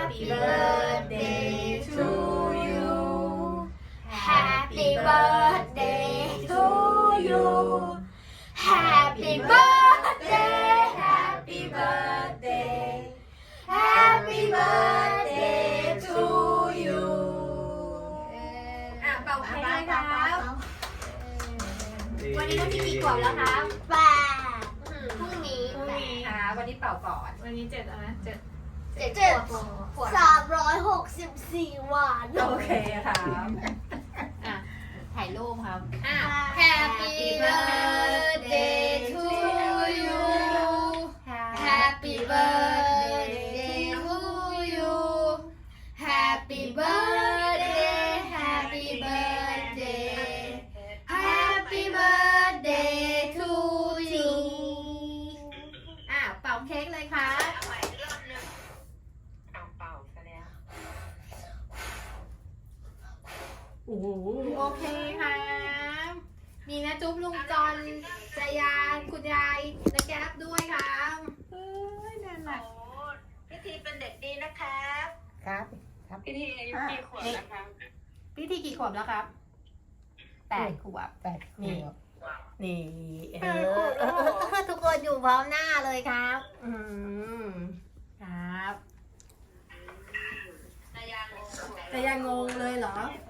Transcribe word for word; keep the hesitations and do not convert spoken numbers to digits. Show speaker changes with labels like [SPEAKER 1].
[SPEAKER 1] Happy birthday to you Happy birthday to you Happy birthday Happy birthday Happy birthday to you อ่ะเป่าเค้กเลยครับวันนี้น้องพี่กี่ขวบแล้วครับแปดพรุ่งนี้พรุ่งนี้ค่ะวันนี้เป่าก่อนวันนี้เจ็ดอะไรเจ็ดเจ็ดขวบ
[SPEAKER 2] สามร้อยหกสิบสี่วัน
[SPEAKER 1] โอเคครับอ่ะถ่ายรูปครับอ่ะ Happy birthday to you Happy birthday to you Happy birthday Happy birthday Happy birthday to you อ่ะเป่าเค้กเลยค่ะโอ้โหโอเคค่ะมีนะจุ๊บลุงจอนจายาคุณยายและแก๊บด้วยครับเฮ้ยนั่นแหละ
[SPEAKER 3] พี่ทีเป็นเด็กดีนะครับ
[SPEAKER 4] ครับครับ
[SPEAKER 3] พี่ทีอายุกี่ขวบนะครับ
[SPEAKER 1] พี่ทีกี่ขวบแล้วครับแปดขวบ
[SPEAKER 4] แปดขวบ
[SPEAKER 1] นี่เออเออเออเออทุกคนอยู่พร้อมหน้าเลยครับอืมครับ
[SPEAKER 3] นายางง
[SPEAKER 1] แต่ยังงงเลยเหรอ